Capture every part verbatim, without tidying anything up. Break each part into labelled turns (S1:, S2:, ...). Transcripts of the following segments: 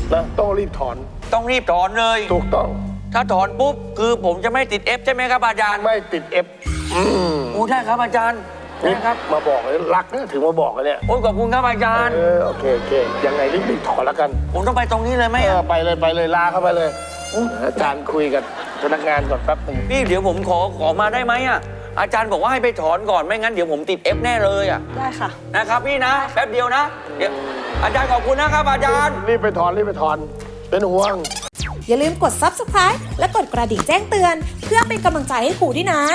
S1: นะต้องรีบถอน
S2: ต้องรีบถอนเลย
S1: ถูกต้อง
S2: ถ้าถอนปุ๊บคือผมจะไม่ติด F ใช่ไหมครับอาจารย์
S1: ไม่ติด F อืม
S2: โอ้ได้ครับอาจารย์ได้ครับ
S1: มาบอกเลยรักนะถึงมาบอกกันเนี่ย
S2: โอ้ขอบคุณครับอาจารย์
S1: เออโอเคโอเคยังไงรีบๆถอนแล้วกัน
S2: ผมต้องไปตรงนี้เลยไหม
S1: เออไปเลยไปเลยลาเข้าไปเลยอาจารย์คุยกับพนักงานก่อนแป๊บนึง
S2: พี่เดี๋ยวผมขอขอมาได้ไหมอ่ะอาจารย์บอกว่าให้ไปถอนก่อนไม่งั้นเดี๋ยวผมติด F แน่เลยอ่ะ
S3: ได้ค่ะ
S2: นะครับพี่นะแป๊บเดียวนะเดี๋ยวอาจารย์ขอบคุณนะครับอาจารย์
S1: รีบไปถอนรีบไปถอนเป็นห่วง
S4: อย่าลืมกด ซับสไครบ์ และกดกระดิ่งแจ้งเตือนเพื่อเป็นกำลังใจให้ครูด้วยนะ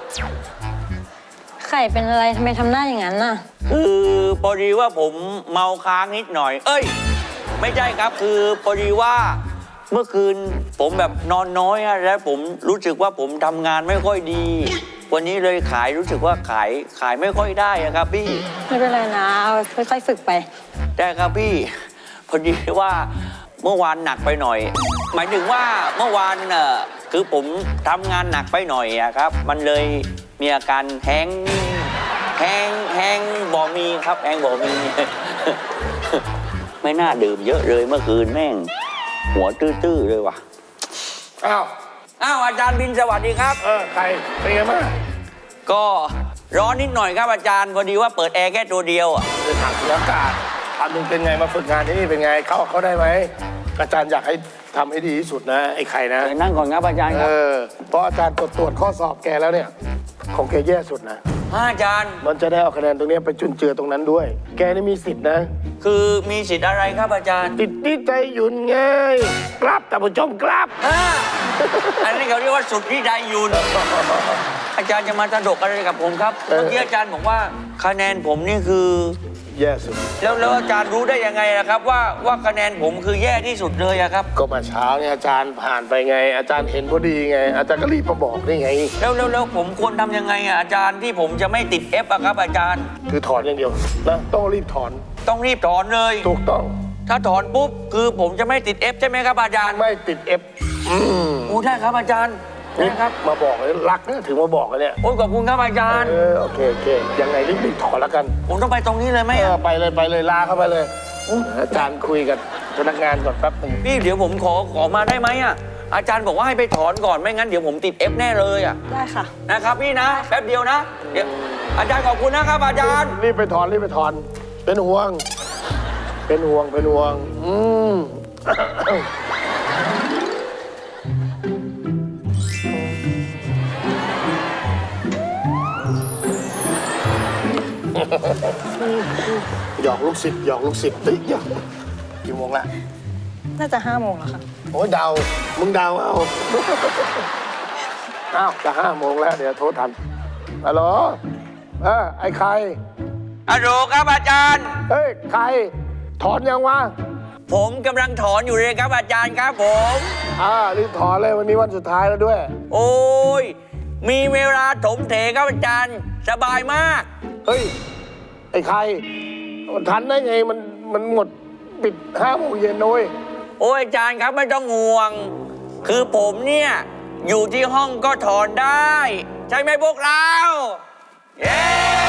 S3: ไข่เป็นอะไรทำไมทำหน้าอย่างนั้นน่ะ
S2: คือพอดีว่าผมเมาค้างนิดหน่อยเอ้ยไม่ใช่ครับคือพอดีว่าเมื่อคืนผมแบบนอนน้อยอะแล้วผมรู้สึกว่าผมทำงานไม่ค่อยดีวันนี้เลยขายรู้สึกว่าขายขายไม่ค่อยได้อะครับพี่
S3: ไม่เป็นไรนะเอาค่อยๆฝึกไป
S2: ได้ครับพี่พอดีว่าเมื่อวานหนักไปหน่อยหมายถึงว่าเมื่อวานเน่ะคือผมทำงานหนักไปหน่อยอะครับมันเลยมีอาการแห้งแห้งแห้งบ่มีครับแห้งบ่มีไม่น่าดื่มเยอะเลยเมื่อคืนแม่งหัวตื้อๆเลยว่ะ
S1: อ้าว
S2: อ้าวอาจารย์บินสวัสดีครับ
S1: เออใครเป็นไงบ้าง
S2: ก็ร้อนนิดหน่อยครับอาจารย์พอดีว่าเปิดแอร์แค่ตัวเดียวอ่ะ
S1: จะถามเรื่องอากาศถามมึงเป็นไงมาฝึกงานที่นี่เป็นไงเข้าเขาได้ไหมอาจารย์อยากให้ทำให้ดีที่สุดนะไอ้ไข่นะ
S2: นั่งก่อนครับอาจารย์ครับ
S1: เออเพราะอาจารย์ตรวจตรวจข้อสอบแกแล้วเนี่ยของแกแย่สุดนะ
S2: อาจารย์
S1: มันจะได้เอาคะแนนตรงนี้ไปจุนเจือตรงนั้นด้วย แกนี่มีสิทธินะ
S2: คือมีสิทธิ์อะไรครับอาจารย์
S1: ติดที่ใจหยุ่นไงกลับแต่ผู้ชมกลับ
S2: อันนี้เขาเรียกว่าสุดที่ใจหยุ่นอาจารย์จะมาสะดกอะไรกับผมครับเมื่อกี้อาจารย์บอกว่าคะแนนผมนี่คือ
S1: แย่สุด
S2: แล้วแล้วอาจารย์รู้ได้ยังไงนะครับว่าว่าคะแนนผมคือแย่ที่สุดเลยอะครับ
S1: ก็มาเช้าเนี่ยอาจารย์ผ่านไปไงอาจารย์เห็นพอดีไงอาจารย์ก็รีบมาบอกนี่ไง
S2: แล้วแล้วแล้วผมควรทำยังไงอะอาจารย์ที่ผมจะไม่ติด F อะครับอาจารย์
S1: คือถอนอย่างเดียวนะต้องรีบถอน
S2: ต้องรีบถอนเลย
S1: ถูกต้อง
S2: ถ้าถอนปุ๊บคือผมจะไม่ติด F ใช่ไหมครับอาจารย์
S1: ไม่ติด F อืม
S2: โอ้ได้ครับอาจารย์ได้ครับ
S1: มาบอกเลยรักนะถึงมาบอกกันเนี่ย
S2: โอ้ขอบคุณครับอาจารย์
S1: เออโอเคโอเคยังไงรีบๆถอนแล้วกัน
S2: ผมต้องไปตรงนี้เลยไหม
S1: เออไปเลยไปเลยลาเข้าไปเลยอาจารย์คุยกับพนักงานก่อนแป๊บนึง
S2: พี่เดี๋ยวผมขอขอมาได้ไหมอ่ะอาจารย์บอกว่าให้ไปถอนก่อนไม่งั้นเดี๋ยวผมติด F แน่เลยอ่ะ
S3: ได้ค่ะ
S2: นะครับพี่นะแป๊บเดียวนะเดี๋ยวอาจารย์ขอบคุณนะครับอาจารย์
S1: รีบไปถอนรีบไปถอนเป็นห่วงเป็นห่วงเป็นห่วงอืมหยอกลูกศิษย์หยอกลูกศิษย์ติ๊กหยอกกี่โมงละ
S3: น่าจะห้าโมงแล้วค่ะ
S1: โอ้ยเดามึงเดาเอาอ้าวจะห้าโมงแล้วเดี๋ยวโทรทันฮัลโหลเออไอ้ใคร
S2: ฮัลโหลครับอาจารย์
S1: เฮ้ยใครถอนยังวะ
S2: ผมกำลังถอนอยู่เลยครับอาจารย์ครับผม
S1: อ่ารีบถอนเลยวันนี้วันสุดท้ายแล้วด้วย
S2: โอ้ยมีเวลาถมเถครับอาจารย์สบายมาก
S1: เฮ้ยไอ้ใครมันทันได้ไงมันมันหมดปิดห้าโมงเย็นด้วย
S2: โอ้ยอาจารย์ครับไม่ต้องห่วงคือผมเนี่ยอยู่ที่ห้องก็ถอนได้ใช่ไหมพวกเราเย้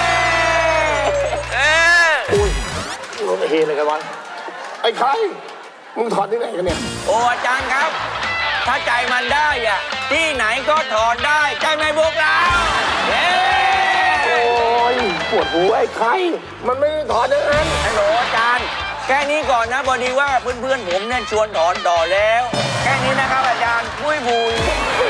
S2: เออ
S1: อุ้ยรถเฮเลยกันวะไอ้ใครมึงถอนที่ไหนกันเนี่ย
S2: โอ้อาจารย์ครับถ้าใจมันได้อะที่ไหนก็ถอนได้ใช่ไหมพวกเราเย้
S1: โอ้ยปวดหัวไอ้ใครมันไม่ได้ถอนอย่างนั้น
S2: ฮัลโหลอาจารย์แค่นี้ก่อนนะพอดีว่าเพื่อนๆผมเนี่ยชวนถอนต่อแล้วแค่นี้นะครับอาจารย์บุยบุย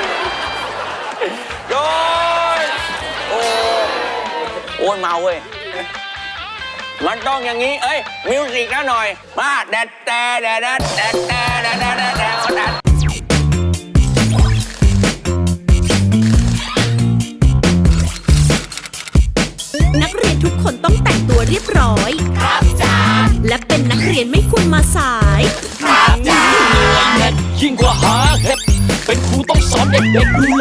S2: โอ้ยโอ้โอ้ยเมาเว้ยมันต้องอย่างนี้เอ้ยมิวสิกนะหน่อยมาแดดแต่แดดแดดแดดแต่แดดแดดแดดแดด
S4: นักเรียนทุกคนต้องแต่งตัวเรียบร้อยครับจ้าและเป็นนักเรียนไม่ควรมาสาย
S5: ครับจ้ายิ่งกว่าหาเห็ดเป็นครูต้องสอนเด็กๆดู